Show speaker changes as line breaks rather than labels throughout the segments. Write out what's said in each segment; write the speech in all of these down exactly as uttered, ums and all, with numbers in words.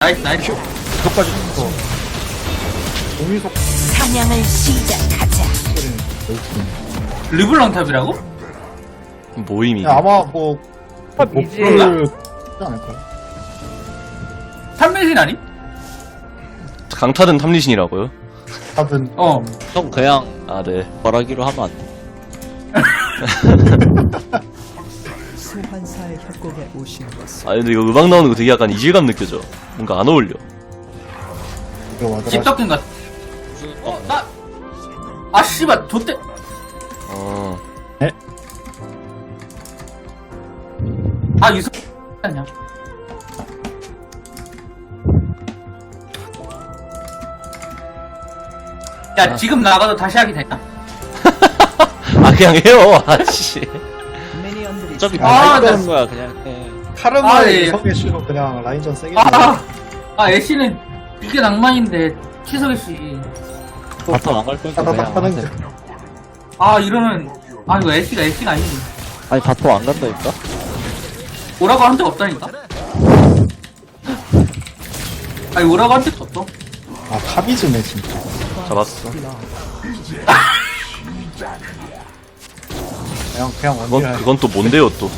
나이스 나이스.
이것까지 줬어. 공유속
사냥을 시작하자.
소리는 여기.
르블랑 탑이라고?
모임이.
야, 아마 뭐
이제-
목표를 하지 않을까요?
탐매신 아니?
강타든 탐리신이라고요?
하든
어.
형 그냥
아, 네.
말하기로 하면 안 돼.
소환사의 협곡에 오신 것을
아, 근데 이거 음악 나오는 거 되게 약간 이질감 느껴져. 뭔가 안 어울려.
이거 와드라.
집덕긴 같. 어 나. 아 씨발 좆대.
어.
아 유성 아니야. 야 지금 나가도 다시 하기 되나?
아, 그냥 해요. 아씨.
미니언들이
어차피
아,
아,
나-
하는 거야 그냥 해.
아, 예.
카르마의 성의 씨로 그냥 라인전 세게.
아, 아 애쉬는 이게 낭만인데 치석이 씨.
바텀 안갈 거니까 그냥
따다닥 하는
하세요.
게.
아 이러면 아 이거 애쉬가 애쉬가 아니지.
아니 바텀 안 간다니까?
오라고 한 적 없다니까. 아니 오라고 한 적도 없어.
아 카비즈네 진짜.
잡았어.
그냥 그냥
그건,
원딜.
그건 또 뭔데요, 또.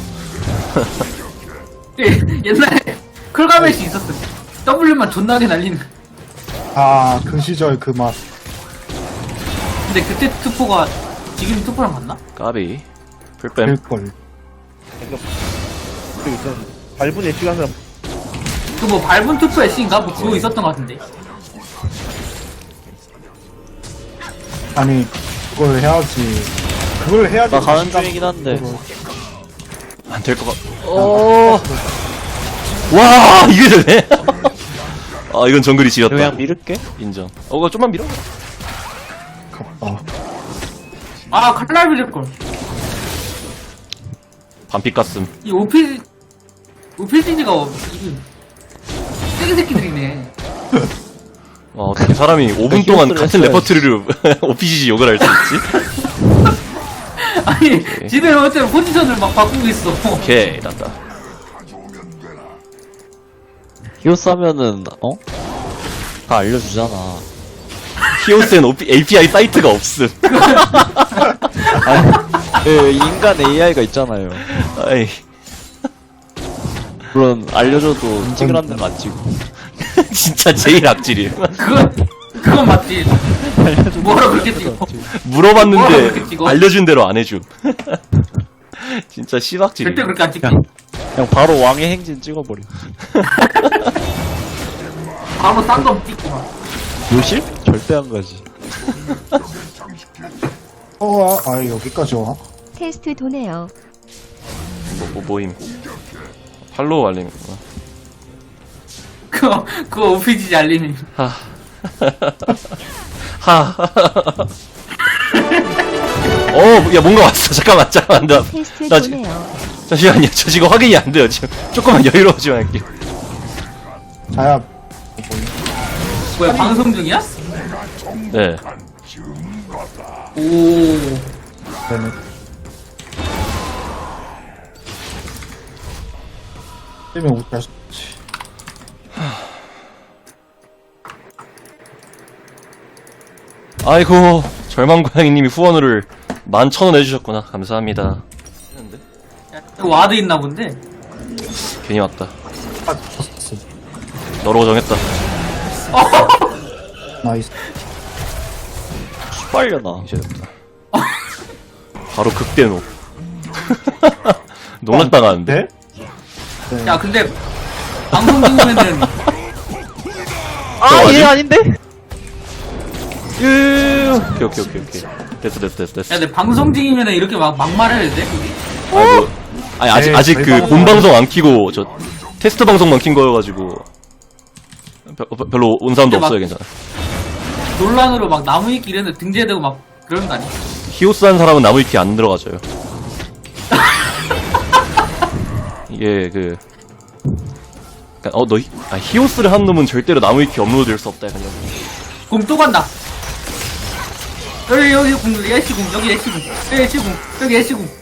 예, 옛날에 쿨가met이 있었어. W만 존나게 날리는.
아그 시절 그 맛.
근데 그때 투포가 지금 투포랑 같나?
까비. 풀뱀.
될걸.
밟은 엣지가 하면
그 뭐 밟은 투포 애쉬인가? 뭐 그거 있었던 것 같은데.
아니 그걸 해야지. 그걸 해야지.
나 가는
자신감
중이긴 한데.
으로.
안 될 것 같. 어. 와, 이게 되네. 아, 이건 정글이 지렸다.
그냥 밀을게.
인정. 어, 그거 좀만 밀어.
갑다.
아 칼날 빌릴걸.
반피 깠음.
이 오피지 오피지니가 이게 세게 새끼들이네.
와, 어떻게 사람이 오 분 동안 같은
했어야지.
레퍼토리로 오피지지 욕을 할 수 있지?
아니 지들 어째 포지션을 막 바꾸고 있어.
오케이, 났다.
히오스 하면은 어? 다 알려주잖아.
히오스엔 에이피아이 사이트가 없음.
아니, 그 인간 에이아이가 있잖아요.
아이,
물론 알려줘도 인식을 한 데는 안 찍고.
진짜 제일 악질이에요.
그건 그건 맞지. 뭐라 그렇게 찍어. 뭐라 그렇게
물어봤는데
찍어?
알려준 대로 안 해줌. 진짜 씨박질이.
절대 그렇게 안 찍지.
그냥 바로 왕의 행진 찍어버려.
바로 딴거 찍고 막.
요실? 절대 안 가지.
어, 아, 아 여기까지 와.
테스트 도네요.
뭐, 뭐 모임. 팔로우 알림이구나.
그거 그거 오피지 알리는.
하. 하. 어, 야, 뭔가 왔어. 잠깐만, 잠깐만. 나,
테스트
나 지,
도네요.
잠시만요. 저 지금 확인이 안 돼요. 지금 조금만 여유로워지면 할게요.
자야
뭐야 방송 중이야?
네.
오.
되네. 때문에 웃갈 수 없지.
아이고, 절망고양이님이 후원을 만 천 원 해주셨구나. 감사합니다. 했는데?
그 와드 있나 본데.
괜히 왔다.
아, 졌어.
너로 정했다.
나이스.
빨려나.
이제 됐다. 바로 극대노. 농락당하는데?
네?
야 근데 방송 중이면은
아,
맞지?
얘 아닌데?
오케이, 오케이, 오케이, 오케이. 됐어, 됐어, 됐어, 됐어.
야 근데 방송 중이면은 이렇게 막 막말해야 돼?
아니, 뭐, 아니, 아직,
에이,
아직
저희
그
방송-
본 방송 안 키고, 저, 테스트 방송만 킨 거여가지고. 별, 별로 온 사람도
근데 막-
없어요, 괜찮아.
논란으로 막 나무위키 이랬는데 등재되고 막 그런 거 아니야?
히오스 한 사람은 나무위키 안 들어가져요. 이게 그, 그니까, 어, 너, 히- 아, 히오스를 한 놈은 절대로 나무위키 업로드 될 수 없다, 약간 이런.
공 또 간다. 여기 여기 공 여기 애쉬 공 여기 애쉬 공 여기 애쉬 공 여기 애쉬 공.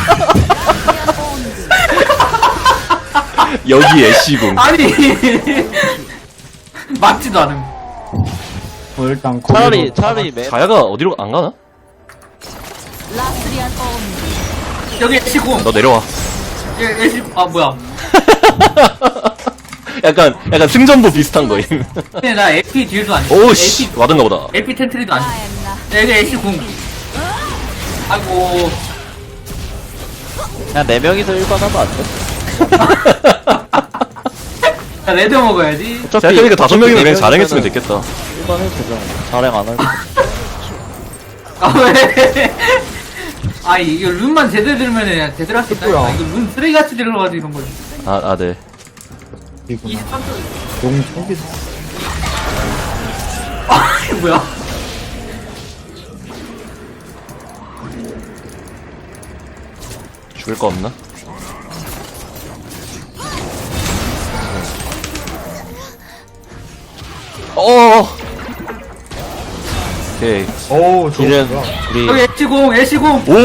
여기 애쉬궁.
아니 맞지도 않음.
뭐 일단
차라리
거기로
차라리 맨
자야가 어디로 안 가나?
라스리안 온.
여기 애쉬 공.
너 내려와.
여기 애쉬, 아, 뭐야.
약간 약간 승전보 비슷한 거임.
근데 나 에피 딜도 안 돼.
오씨 와든가 보다.
에피 텐트리도 안 돼. 여기 애쉬 공. 아이고.
그냥 네 명이서 일반 하면 안 돼?
나 레드 먹어야지.
어차피
생각해보니까 다섯 명이면 그냥
네
자랭했으면
명이면은
됐겠다.
일반 해도 되잖아. 자랭 안 할 거.
아, 왜? 아, 이거 룬만 제대로 들으면 제대로 할 수 있다.
뭐야?
이거 룬 쓰레기같이 들어가지고 이런 거지.
아, 아, 네.
이구나.
이십삼 초.
용 챙기
아, 이거 뭐야?
죽을 거 없나? 어. 오케이.
어우 좋아.
딜은 우리
여기 애쉬 공, 애쉬 공.
오!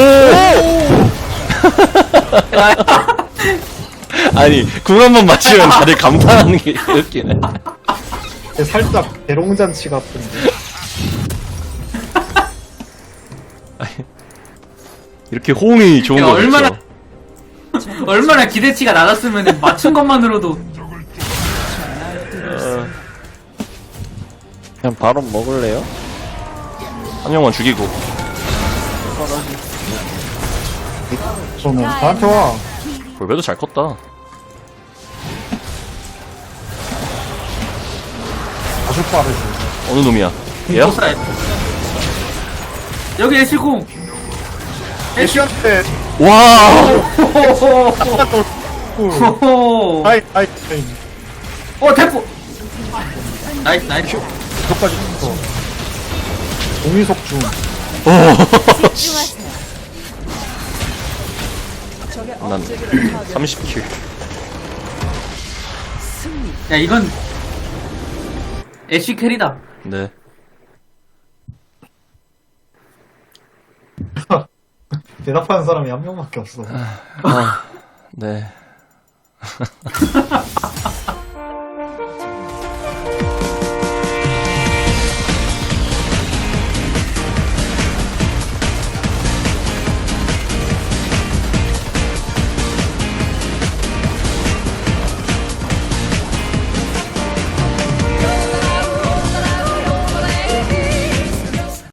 아니, 궁 한 번 맞추면 다들 감탄하는 게 웃기네.
살짝 대롱잔치 같은데.
이렇게 호응이 좋은
야,
거
얼마나-
같죠?
얼마나 기대치가 낮았으면 맞춘 것만으로도.
그냥 바로 먹을래요?
한 명만 죽이고.
저는 나한테 와.
볼배도 잘 컸다.
아주 빠르지.
어느 놈이야? 얘야?
못 여기 애쉬 공.
애쉬한테
와!
호호.
하이 하이 하이.
어, 대포. 나이스, 나이스.
저까지 있어. 동의석 중.
난 삼십 킬.
야, 이건 애쉬 캐리다.
네.
대답하는 사람이 한 명밖에 없어.
아, 네.